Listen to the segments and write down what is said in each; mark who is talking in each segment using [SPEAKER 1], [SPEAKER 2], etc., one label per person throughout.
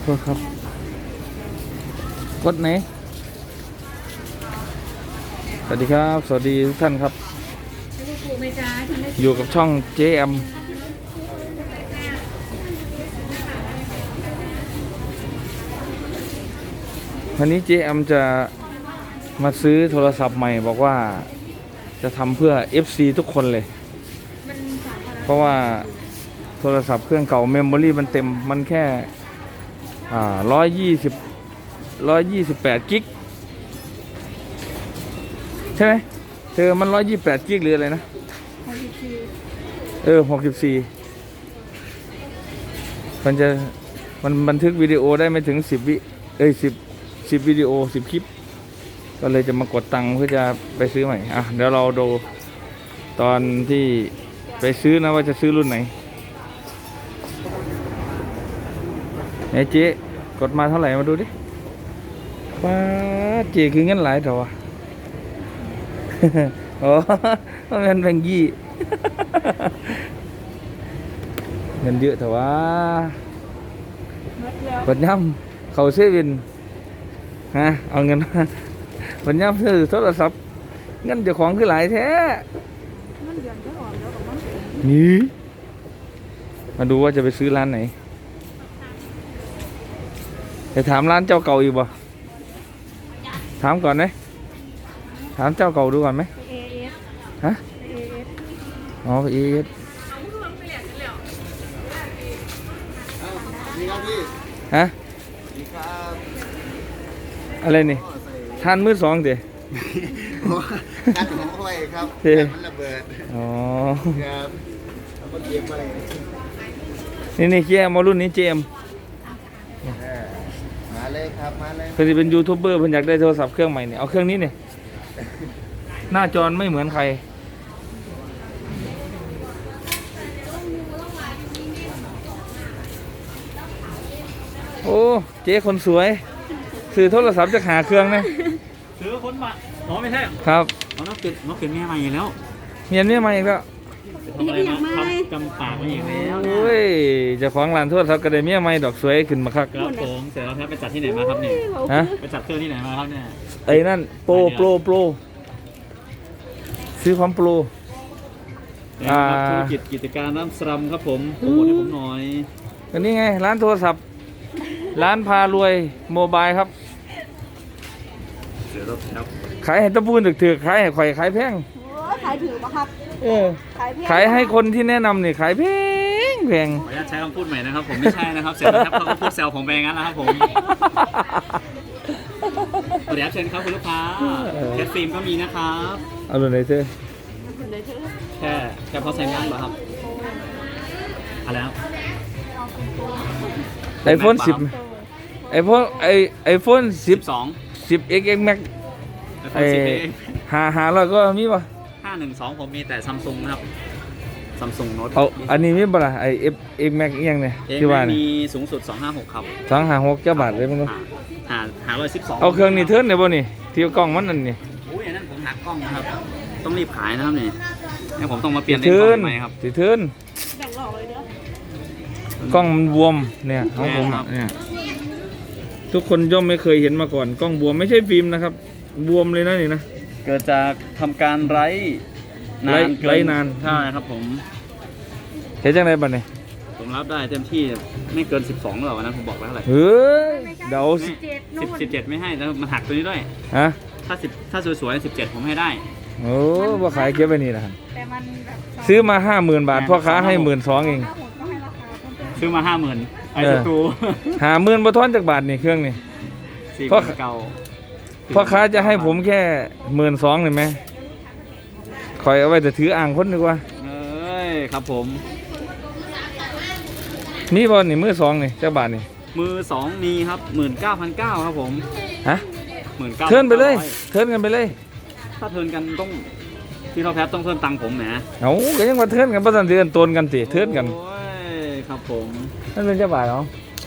[SPEAKER 1] ษครับกดไหนสวัสดีครับสวัสดีทุกท่านครับอยู่กับช่อง JM วันนี้ JM จะมาซื้อโทรศัพท์ใหม่บอกว่าจะทำเพื่อ FC ทุกคนเลยเพราะว่าโทรศัพท์เครื่องเก่าเมมโมรี่มันเต็มมันแค่128 กิกใช่ไหมเธอมัน128 กิกหรืออะไรนะ64มันบันทึกวิดีโอได้ไม่ถึง10 วิ10 วิดีโอ10 คลิปก็เลยจะมากดตังค์เพื่อจะไปซื้อใหม่เดี๋ยวเราดูตอนที่ไปซื้อนะว่าจะซื้อรุ่นไหนเจ๊กดมาเท่าไหร่มาดูดิป้าเจ๊คือเงินหลายเถอะวะ อ๋อมันแบงค์ยี่ เงินเยอะเถอะวะกดย่ำเขาเซเว่นเอาเงินมาวันย่ำซื้อโทรศัพท์เงินเจ้าของคือหลายแท้นี่มาดูว่าจะไปซื้อร้านไหนจะถามร้านเจ้าเก่าอีกบ่ถามก่อนไหมถามเจ้าเก่าดูก่อนไหมฮะอ๋อเอสฮะอะไรนี่ทานมือสองเดี๋ยว
[SPEAKER 2] การของเขาไว้ครับมันระเบิด
[SPEAKER 1] อ๋อ
[SPEAKER 2] ครับแล้วก็เกมอะไร
[SPEAKER 1] นี่เกียร์มารุ่นนี้เจม
[SPEAKER 2] มาเลยครับมาเลย
[SPEAKER 1] เพื่อนเป็นยูทูบเบอร์เพื่อนอยากได้โทรศัพท์เครื่องใหม่เนี่ยเอาเครื่องนี้เนี่ยหน้าจอไม่เหมือนใครโอ้เจ๊คนสวยซื้อโทรศัพท์จะหาเครื่องนะ
[SPEAKER 3] ซื้อคนมาอ๋อไม่ใช่
[SPEAKER 1] ครับ
[SPEAKER 3] น้องเป็นแม่ใหม่แล้ว
[SPEAKER 1] เมียนเมียใหม่อีกแล้ว
[SPEAKER 3] ทำอะไรมาทำกำปากมาอีกแล้ว
[SPEAKER 1] โอ้ยจะขวางร้านโทรศัพท์ก็ได้เมียใหม่ดอกสวยขึ้นมาคัก
[SPEAKER 3] ครับผมเสร็จแล้วครับไปจัดที่ไหนมาครับเนี่ย
[SPEAKER 1] ฮะ
[SPEAKER 3] ไปจัดเครื่องที่ไหนมาครับเนี่ย
[SPEAKER 1] ไอ้นั่นโปรซื้อความโปร
[SPEAKER 3] ธุรกิจการน้ำสลัมครับผมโปรโมทให้ผมหน่อย
[SPEAKER 1] อันนี้ไงร้านโทรศัพท์ร้านพารวยโมบายครับ
[SPEAKER 3] เดี๋ยวครับ
[SPEAKER 1] ขายให้ตะปูนถือขายให้ข่อยขายแพง
[SPEAKER 4] ขายถือปะครับ
[SPEAKER 1] ขายให้คนที่แนะนำนี่ขายแพง
[SPEAKER 3] ขออนุญาตใช้คำพูดใหม่นะครับผมไม่ใช่นะครับเสร็จแล้วครับเขาก็พูดแซวผมไปงั้นแล้วครับผมเดี๋ยวเชิญครับคุณลูกค้าแคสฟิล์มก็มีนะครับ
[SPEAKER 1] เอาเลยไหนเธอ
[SPEAKER 3] แค่พอใส่งานเหรอครับอะไรครับ
[SPEAKER 1] iPhone 10 iPhone 10X Max 500ก็มีป่ะ
[SPEAKER 3] 512ผมมีแต่ Samsung นะครับ Samsung Note
[SPEAKER 1] อันนี้มีป่ะล่ะX Max อีกอย่างเนี่ย
[SPEAKER 3] ที่ว่ามีสูงสุด256ครับ
[SPEAKER 1] 256เจ้าบาทเลยมั้ง
[SPEAKER 3] 512
[SPEAKER 1] เอาเครื่องนี้เทิร์นได้ป่ะนี่ที่กล้องมันนั่นนี่
[SPEAKER 3] อุ้ยอันนั้นผมหักกล้องนะครับต้องรีบขายนะครับนี่ให้ผมต้องมาเปลี่ยนเลนส์กล้องใหม่ครับ
[SPEAKER 1] เทิร์นกล้องมันบวมเนี่ยของผมเนี่ยทุกคนย่อมไม่เคยเห็นมาก่อนกล้องบวมไม่ใช่ฟิล์มนะครับบวมเลยนะนี่นะ
[SPEAKER 3] เกิดจากทำการไร้นานใช่ครับผม
[SPEAKER 1] เห็นจังไรบ้างเนี่ย
[SPEAKER 3] ผมรับได้เต็มที่ไม่เกิน12หรอกนะผมบอกไว้เท่าไหร่
[SPEAKER 1] เดี๋ยว
[SPEAKER 3] 17ไม่ให้แล้วมันหักตัวนี้ด้วยถ้าสวยๆ17ผมให้ได้
[SPEAKER 1] โอ้ว่าขายเก็บไว้นี่นะครับซื้อมา 50,000 บาทพ่อค้าให้12,000เอง
[SPEAKER 3] ซื้อมา50,000ไอ้ศัตรู
[SPEAKER 1] 50,000บ่ทอนจากบาทนี่เครื่องนี่พ่อค้าจะให้ผมแค่12,000เลยไหมคอยเอาไว้แต่ถืออ่างคนดีกว่า
[SPEAKER 3] ครับผม
[SPEAKER 1] นี่บอลนี่มือ2นี่จากบาทนี่
[SPEAKER 3] มือ2มีครับ19,900ครับผม
[SPEAKER 1] เทิร์นไปเลยเทิร์นกันไปเลย
[SPEAKER 3] ถ้าเทิร์นกันต้องพี่ท็อปแพทต้องเทิร์นตังผมแหม
[SPEAKER 1] ก็ยังมาเทิร์นกันประสันเดือนตนกันสิเทิร์นกัน
[SPEAKER 3] ครับผม
[SPEAKER 1] นั่นเป็นเจ้าบ่าวเหรอ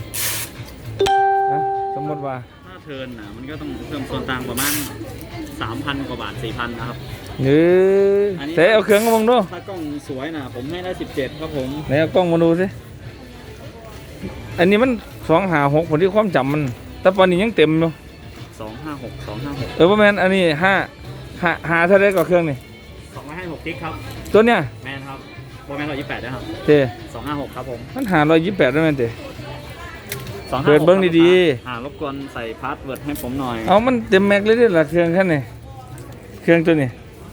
[SPEAKER 1] สมมติว่า
[SPEAKER 3] ถ้าเทิร์นมันก็ต้องเพิ่มส่วนต่างประมาณ 3,000 กว่าบาท 4,000 นะครับ
[SPEAKER 1] เซ่เอาเครื่องมาดู
[SPEAKER 3] ถ้ากล้องสวยผมให้ได้17ครับผม
[SPEAKER 1] ไหนเอากล้องมาดูสิอันนี้มัน 256ผลที่ความจำมัน แต่ตอนนี้ยังเต็มอยู่
[SPEAKER 3] 256
[SPEAKER 1] ประมาณอันนี้หาเท่าไรก็เครื่องนี่
[SPEAKER 3] 256กิกครับ
[SPEAKER 1] ตัวเนี้ย
[SPEAKER 3] แมนครับโปรแมน128นะครับ
[SPEAKER 1] เต้
[SPEAKER 3] 256ครับผม
[SPEAKER 1] มันหา128ได้แม่นเต้
[SPEAKER 3] 256
[SPEAKER 1] เปิดเบิ่งดี
[SPEAKER 3] รบกวนใส่พาสเวิร์ดให้ผมหน่อย
[SPEAKER 1] เอามันเต็มแม็กเลยเด้อล่ะเครื่องคันนี้เครื่องตัวนี้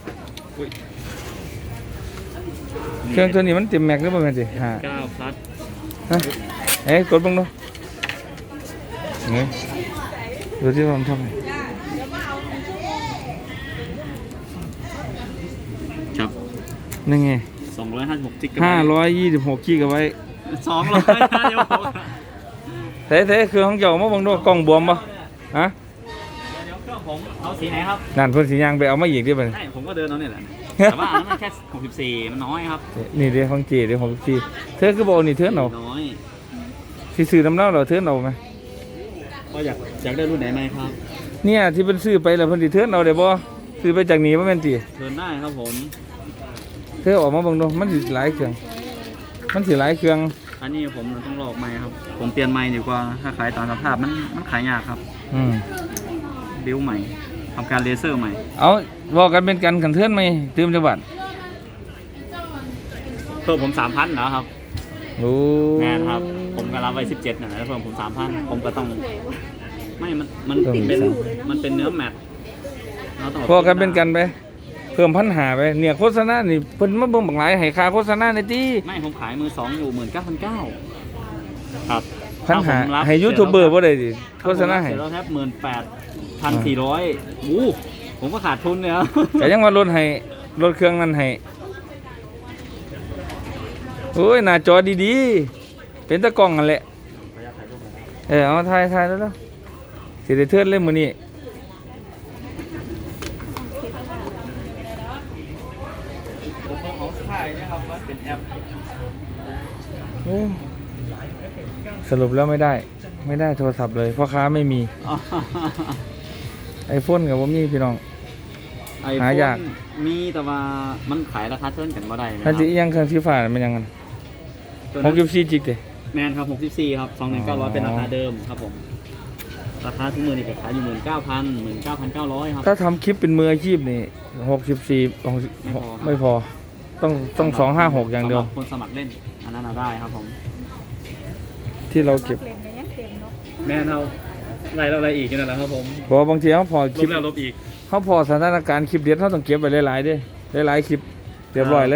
[SPEAKER 1] เครื่องตัวนี้มันเต็มแม็กหรือเปล่าแม่นเต้หา
[SPEAKER 3] 9 plus
[SPEAKER 1] ฮะเอ้ยกดเบิ่งดูนี่ดูที่ผมทำไง
[SPEAKER 3] ครับ
[SPEAKER 1] นี่ไง
[SPEAKER 3] 256กิก
[SPEAKER 1] 526กิกเอาไว้
[SPEAKER 3] 200เดี๋ยวผม
[SPEAKER 1] เท่ๆคือของเจ้ามาเบิ่งดูกล้องบวมบ่ฮะ
[SPEAKER 3] เดี๋ยวเครื่องผมเอาสีไหนครับ
[SPEAKER 1] นั่นเพิ่นสิย่างไปเอามาอีกเด้อบัดนี้
[SPEAKER 3] ใช่ผมก็เดินเอาเนี่ยแหละแต่ว่าอันนั้นมันแค่64มันน้อยครับ
[SPEAKER 1] นี่เด้ของเจเด้ของพี่เธอคือบ่เอานี่เธอเอา
[SPEAKER 3] น้อย
[SPEAKER 1] สิซื้อน้ำเล่าเหรอเธอเอาไหม
[SPEAKER 3] ก็อยากได้รุ่นไหนไหมครับ
[SPEAKER 1] เนี่ยที่เพิ่นซื้อไปแล้วเพิ่นสิเธอเอาได้บ่ซื้อไปจากนี้บ่แม่นติ
[SPEAKER 3] เดินได้ครับผม
[SPEAKER 1] เธอออกมาเบิ่งดูมันสิหลายเครื่องมันสิหลายเครื่อง
[SPEAKER 3] อันนี้ผมต้องลอกไม้ครับผมเปลี่ยนไม้ดีกว่าถ้าขายตามสภาพมันขายยากครับ
[SPEAKER 1] อืม
[SPEAKER 3] บิ้วใหม่ทำการเลเซอร์ใหม่
[SPEAKER 1] เอาบอกกันเป็นกันกันเทือนไหมตื่มจังหวัด
[SPEAKER 3] เพิ่มผม3,000นะครับ
[SPEAKER 1] โอ้
[SPEAKER 3] แม่นครับ ผมก็รับไว้17นะแล้วเพิ่มผม3,000ผมก็ต้องไม่มันเป็นเนื้อแมทเราต้อง
[SPEAKER 1] พอกันเป็นกันไปเพิ่มพันหาไปเนี่ยโฆษณานี่เพิ่นมาเบิ่งบักหลายให้ค่าโฆษณาในติ
[SPEAKER 3] ไม่ผมขายมือ2อยู่19,900ครับ
[SPEAKER 1] พันหา
[SPEAKER 3] ถ้ผมรับ
[SPEAKER 1] ให้ยูทูบเบอร์บ่ได้ดิโฆษณาให้
[SPEAKER 3] เสร็จแล้วแทบ18,400อู้ผมก็ขาดทุนเนี่ย
[SPEAKER 1] ก็ยังว่าลดให้ลดเครื่องนั้นให้โอ้ยหน้าจอดีๆเป็นตะกล้องนั่นแหละเอาถ่ายๆแล้วๆสิได้เทือนเลยมื้อนี้โอ้สรุปแล้วไม่ได้โทรศัพท์เลยพ่อค้าไม่มีไอโฟนกับผมมีพี่น้อง หายาก
[SPEAKER 3] มีแต่ว่ามันขายราคาเท่ากันบ่ได้นะค
[SPEAKER 1] ถ้า
[SPEAKER 3] รับ
[SPEAKER 1] จะอีหยังเครื่องสีฟ้ามันยังไง
[SPEAKER 3] ตัวนั้น
[SPEAKER 1] 64จิกเด้
[SPEAKER 3] แมนครับ64ครับ2,900เป็นราคาเดิมครับผมราคาทุกมือนี่ก็ขายอยู่19,900ครับ
[SPEAKER 1] ถ้าทำคลิปเป็นมืออาชีพนี่64ไม่พอต้อง256อย่างเดียว
[SPEAKER 3] สำหรับคนสมัครเล่นอันนั้นเอาได้ครับผม
[SPEAKER 1] ที่เราเก็บ
[SPEAKER 4] เล่นไปยังเต็มเนาะ
[SPEAKER 3] แม่นเอาอะไรอีกนั่นแหละครับผม
[SPEAKER 1] เพราะว่าบางทีเขาพอ
[SPEAKER 3] ล
[SPEAKER 1] คลิ
[SPEAKER 3] บ
[SPEAKER 1] ป
[SPEAKER 3] แล้วลบอีก
[SPEAKER 1] เขาพอสถานการณ์คลิปเด็ดเขาต้องเก็บไปหลายๆเด้หลายๆคลิปเรียบร้อยเลย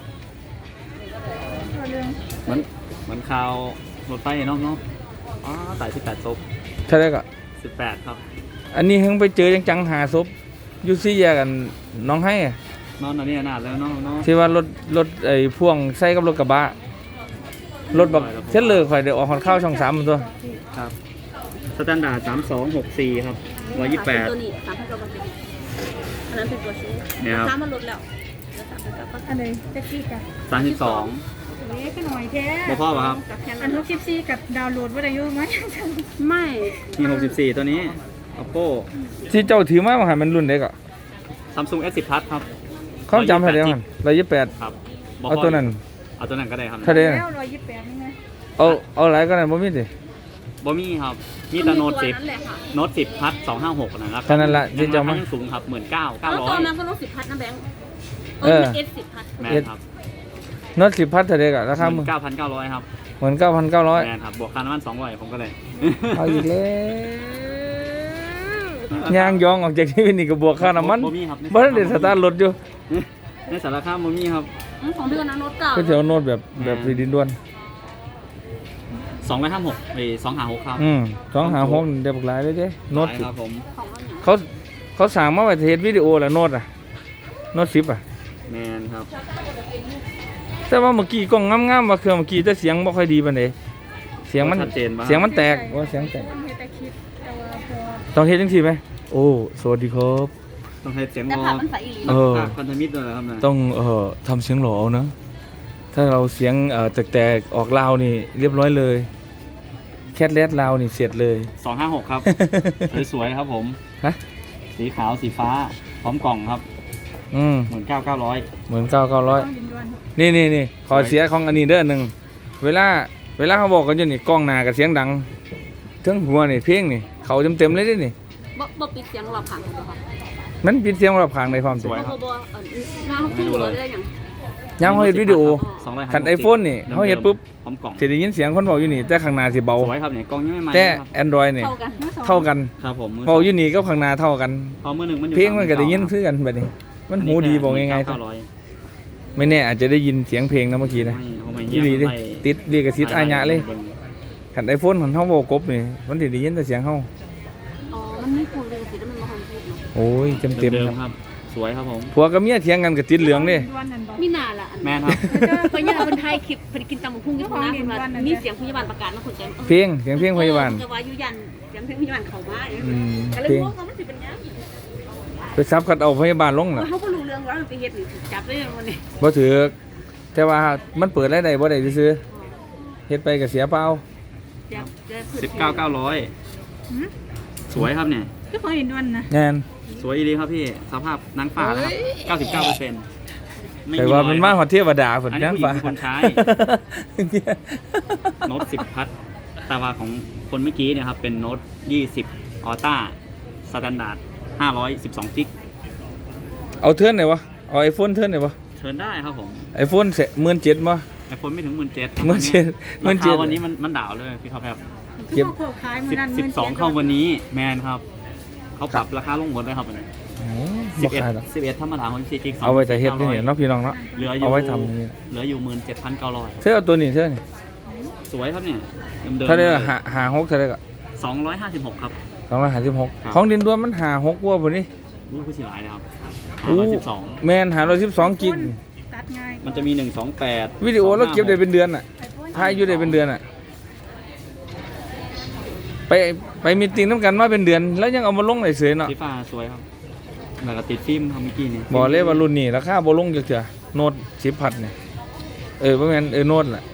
[SPEAKER 3] เหมือนข่าวรถไฟเนาะอ๋อตาย18ศพ
[SPEAKER 1] ใช่ไหมก็
[SPEAKER 3] 18ครับ
[SPEAKER 1] อันนี้เพิ่งไปเจอจังหาศพอยูซี่แยกกันน้องให้อะ
[SPEAKER 3] นอนอันนี้นานแล้วเนาะ
[SPEAKER 1] ที่ว่ารถไอ้พ่วงใส่กับรถกระบะรถแบบเส้นเลยข่อยเดี๋ยวออกหอนข้าวช่อง3มันตัว
[SPEAKER 3] ครับสแตนดาร์ด3264ครับ128
[SPEAKER 4] ตัวนี้3,900อันนั้นเป็นตัวชู
[SPEAKER 3] เนี่ยครับ
[SPEAKER 4] ซ้ำมันลดแล้วเหลือ3,900
[SPEAKER 5] อันไหนแท็กซี่จ้ะ
[SPEAKER 3] 32
[SPEAKER 5] เล็กก็หน่อยแท้
[SPEAKER 3] บ่พ่อป่ะครับ
[SPEAKER 5] อัน64กับดาวน์โหลดว่าได้อยู่ไหม
[SPEAKER 4] ไม่
[SPEAKER 3] มี64ตัวนี้ Oppo
[SPEAKER 1] ที่เจ้าถือมาว่ามันรุ่นเด็กอ่ะ
[SPEAKER 3] Samsung S10 Plus ครับ
[SPEAKER 1] เขาจำให้ได้มัน128
[SPEAKER 3] ครับบ่
[SPEAKER 1] เอาตัวนั้น
[SPEAKER 3] เอาตัวนั้นก็ได้ครับ
[SPEAKER 1] ถ้าได้
[SPEAKER 5] แล้
[SPEAKER 1] น่ะ
[SPEAKER 5] ว128นี่ไง
[SPEAKER 1] เอาหลายก็ได้บ่มีดิ
[SPEAKER 3] บ่มีครับ มีแต่โน้ต
[SPEAKER 4] ตัวนั้นแหละค่ะ
[SPEAKER 3] 10โน้ต10 Plus 256นะครับ
[SPEAKER 1] เท่านั้นละที่จะมา
[SPEAKER 3] ยังสูงครับ
[SPEAKER 4] แล้วตัวนั้น
[SPEAKER 3] 19,900
[SPEAKER 4] ก็ลด10 พัทนะแบงค์
[SPEAKER 1] เออ
[SPEAKER 4] เอส10 พัท
[SPEAKER 3] แม่นครับ
[SPEAKER 1] น็อต10พัทเท่าเด็กอ่ะราคามึง
[SPEAKER 3] 19,900ครับ
[SPEAKER 1] เหมือน9,900
[SPEAKER 3] แม่นครับบวกค่าน้ำมัน200ผมก็เลย
[SPEAKER 1] เอาอีกแล้วย่างยองออกจากที่นี่ก็บวกค่าน้ำมัน
[SPEAKER 3] บ่มีครับ
[SPEAKER 1] บ่ได้สตาร์ทรถอยู่
[SPEAKER 3] ในสารคามบ่มีครับ
[SPEAKER 4] ของเดือนนะโน้ตเก่า
[SPEAKER 1] ก็แถวโน้ตแบบสีดินด้วน
[SPEAKER 3] 256ไอ้256ครับ
[SPEAKER 1] 256ได้บักหลายเลยเด้โน้ต
[SPEAKER 3] หลายครับผม
[SPEAKER 4] ของมันเนี่ย
[SPEAKER 1] เขาสั่งมาไว้เทสวิดีโอแล้วโน้ตอ่ะโน้ต10อ่ะ
[SPEAKER 3] แม่นครับ
[SPEAKER 1] แต่ว่าเมื่อกี้กล้องงามๆว่าเครื่องเมื่อกี้แต่เสียงบ่ค่อยดีปานใดเสียงมัน
[SPEAKER 3] ชัดเจนปะ
[SPEAKER 1] เสียงมันแตกว่าเสียงแตก
[SPEAKER 5] มันเฮ็ดแต่คลิปแต่ว่าพอ
[SPEAKER 1] ต้องเฮ็ดจังซี่ไหมโอ้สวัสดีครับ
[SPEAKER 3] ต้องให้เสียง
[SPEAKER 4] แต่
[SPEAKER 3] รอ
[SPEAKER 4] ผักมันใสอีหลี
[SPEAKER 1] เออ
[SPEAKER 3] ภาคพันธมิตรด้วยนะครับนะ
[SPEAKER 1] ต้องทำเสียงหล่อเอานะถ้าเราเสียงแตกๆออกลาวนี่เรียบร้อยเลยแคทแรดลาวนี่เสร็จเลย
[SPEAKER 3] 256ครับ สวยๆครับผม
[SPEAKER 1] ฮะ
[SPEAKER 3] สีขาวสีฟ้าพร้อมกล่องครับ
[SPEAKER 1] เห
[SPEAKER 3] 19,900
[SPEAKER 1] มือน9,900
[SPEAKER 5] ต้องดินดวน
[SPEAKER 1] นี่ขอเสียของอันนี้เด้อหนึ่งเวลาเวลาเขาบอกกันอยู่นี่กล้องหน้ากับเสียงดังทั้งหัวนี่เพลงนี่เขาเต็มๆเลยเด้นี่
[SPEAKER 4] บ่ปิดเสียงรอบข้างเลยค่ะ
[SPEAKER 1] มันปิดเสียงรอบข้างในความสวย
[SPEAKER 4] บ่หน้าคู่เลยได้ยัง
[SPEAKER 1] ยามเขาเฮ็ดวิดีโอ
[SPEAKER 3] 250
[SPEAKER 1] คัน iPhone นี่เขาเฮ็ดปุ๊บ
[SPEAKER 3] พร้อมกล่อง
[SPEAKER 1] สิได้ยินเสียงคนเว้าอยู่นี่แต่ข้างหน้าสิเบา
[SPEAKER 3] สวยครับเนี่ยกล่องยังไม่ใหม่
[SPEAKER 1] แต่
[SPEAKER 3] ครับ
[SPEAKER 1] Android นี่
[SPEAKER 4] เท่ากัน
[SPEAKER 1] เท่ากัน
[SPEAKER 3] ครับผมมือ
[SPEAKER 1] เว้าอยู่นี่กับข้างหน้าเท่ากัน
[SPEAKER 3] พอมือหนึ่งมันอยู่
[SPEAKER 1] เพลงมันก็ได้ยินคือกันบัดนี้ มันหูดีบอกง่ายๆ
[SPEAKER 3] 900
[SPEAKER 1] ไม่แน่อาจจะได้ยินเสียงเพลงนะเมื่อกี้นะ
[SPEAKER 3] ไม่
[SPEAKER 1] อีหลีเด้ติดเรียกกระซิดอาญะเลยคัน iPhone ของเฮาบ่กบนี่มันสิได้ยินแต่เสียงเฮา
[SPEAKER 4] อ๋อมันไม่ควรเลยสิแล้วมันบ่ทันพูดเนาะ
[SPEAKER 1] โอ้ยเต็ม
[SPEAKER 3] เดิ
[SPEAKER 1] ๆ
[SPEAKER 3] ม
[SPEAKER 1] ครับ
[SPEAKER 3] ครับ สวยครับผม
[SPEAKER 1] ผัวกับเมียเถียงกันก็ติดเหลืองเด้
[SPEAKER 5] วันนั้นบอก
[SPEAKER 4] มีหน้าล่ะ
[SPEAKER 3] แม่นครับ
[SPEAKER 4] เพิ่นย่าเพิ่นถ่ายคลิปเพิ่นกินตำบักหุ่งอยู่ข้างหน้าเพิ่นว่ามีเสียงพยาบาลประกาศมาคนแจ้ง
[SPEAKER 1] เพลงเสียงเพลงพยาบาล
[SPEAKER 4] จะว่าอยู่ยันเสียงเพลงพยาบาลเข้ามา
[SPEAKER 1] อืม
[SPEAKER 4] ก็เลย
[SPEAKER 1] เพลง
[SPEAKER 4] งงว่ามันสิเป็นหยัง
[SPEAKER 1] ไปซับคัดเอาพยาบาลลงน่ะ
[SPEAKER 4] เขาบ่รู้เรื่องว่ามันไปเฮ็ดนี่จับได้ยังวันนี้
[SPEAKER 1] บ่ถือแต่ว่ามันเปิดรายได้บ่ได้ซื่อๆเฮ็ดไปก็เสียเปล่า
[SPEAKER 4] จับจะ
[SPEAKER 3] 19,900 สวยครับเนี่ย
[SPEAKER 5] ก็พอเห็นวันนะ
[SPEAKER 1] งาน
[SPEAKER 3] สวยดีครับพี่ สภาพนางฟ้านะครับ99%ไม่
[SPEAKER 1] แต่
[SPEAKER 3] มี
[SPEAKER 1] ว่า
[SPEAKER 3] รอย
[SPEAKER 1] มันมาฮอดเทวดาพุ่น
[SPEAKER 3] อันนี้
[SPEAKER 1] จัง
[SPEAKER 3] ผู้หญิง
[SPEAKER 1] ฟ้า
[SPEAKER 3] เป็นคนใช้ โน้ต10 พัทแต่ว่าของคนเมื่อกี้เนี่ยครับ เป็นโน้ต20 ออต้าสแตนดาร์ด512กิก
[SPEAKER 1] เอาเทิร์นไหนวะเอา iPhone เทิร์นไหนวะ
[SPEAKER 3] เชิญได้ครับผม
[SPEAKER 1] iPhone 17,000บ่
[SPEAKER 3] ไอโฟนไม่ถึง 17,000
[SPEAKER 1] 17,000
[SPEAKER 3] ราคาวันนี้มันดาวเลยพี่ท็อปครับ
[SPEAKER 5] คือพอขายมื้อนั้น
[SPEAKER 3] 12เข้าวันนี้แมนครับ เขาปรับราคาลงหมดเลยครับวันนี้
[SPEAKER 1] โอ้บ่ขายหรอก
[SPEAKER 3] 11ธรรมดาของ4กิก
[SPEAKER 1] เอาไว้แต่เฮ็ดนี่เนาะพี่น้องเนาะ
[SPEAKER 3] เหลืออยู่
[SPEAKER 1] เอาไว้ทำนี่
[SPEAKER 3] เหลืออยู่ 17,900
[SPEAKER 1] เธอเอาตัวนี้เธอนี่
[SPEAKER 3] สวยครับเนี่ยเดิมๆ
[SPEAKER 1] เท่าได้ละหา6เท่าได้ก็
[SPEAKER 3] 256 ครับ
[SPEAKER 1] 256ของดินดวนมันหา6กว่าพุ่นนี่
[SPEAKER 3] รู้ผู้ชายนะครับ
[SPEAKER 1] อู้
[SPEAKER 3] 512
[SPEAKER 1] แม่นหา112กิก
[SPEAKER 5] ตัดง่าย
[SPEAKER 3] มันจะมี 128
[SPEAKER 1] วิดีโอเราเก็บได้เป็นเดือนอ่ะถ่ายอยู่ได้เป็นเดือนอ่ะ ไปมีตติ้งน้ำกันมาเป็นเดือน แล้วยังเอามาลงได้เสยเนาะ
[SPEAKER 3] สีฟ้าสวยครับแล้วก็ติดฟิล์มครับเมื่อกี้นี่
[SPEAKER 1] บอกเลยว่ารุ่นนี้ราคาบ่ลงจักเทื่อโน้ต10พัดเนี่ยบ่แม่นโน้ตล่ะ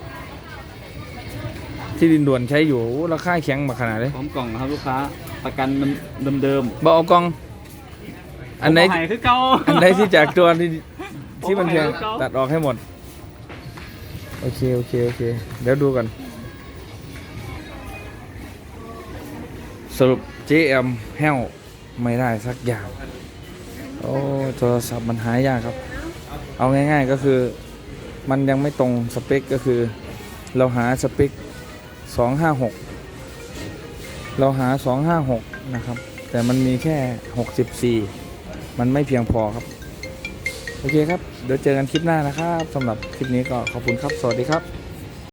[SPEAKER 1] ที่ดินด่วนใช้อยู่โอ้ราคาแข็งมาขนาดเลย
[SPEAKER 3] พร้อมกล่องนะครับลูกค้าประกันเดิม
[SPEAKER 1] บ่เอากล่อง
[SPEAKER 3] ๆ
[SPEAKER 1] อันไหน
[SPEAKER 3] ผมเอาให้คือเก่า
[SPEAKER 1] อันไหนที่จากตัวที่มันแพง
[SPEAKER 3] ผมเอาให้เขา
[SPEAKER 1] ตัดออกให้หมด โอเค เดี๋ยวดูกัน สรุป JM แห้วไม่ได้สักอย่าง โอ้โทรศัพท์มันหายากครับ เอาง่ายๆก็คือ มันยังไม่ตรงสเปคก็คือ เราหาสเปค 256 เราหา 256 นะครับ แต่มันมีแค่ 64 มันไม่เพียงพอครับ โอเคครับ เดี๋ยวเจอกันคลิปหน้านะครับสำหรับคลิปนี้ก็ขอบคุณครับ สวัสดีครับ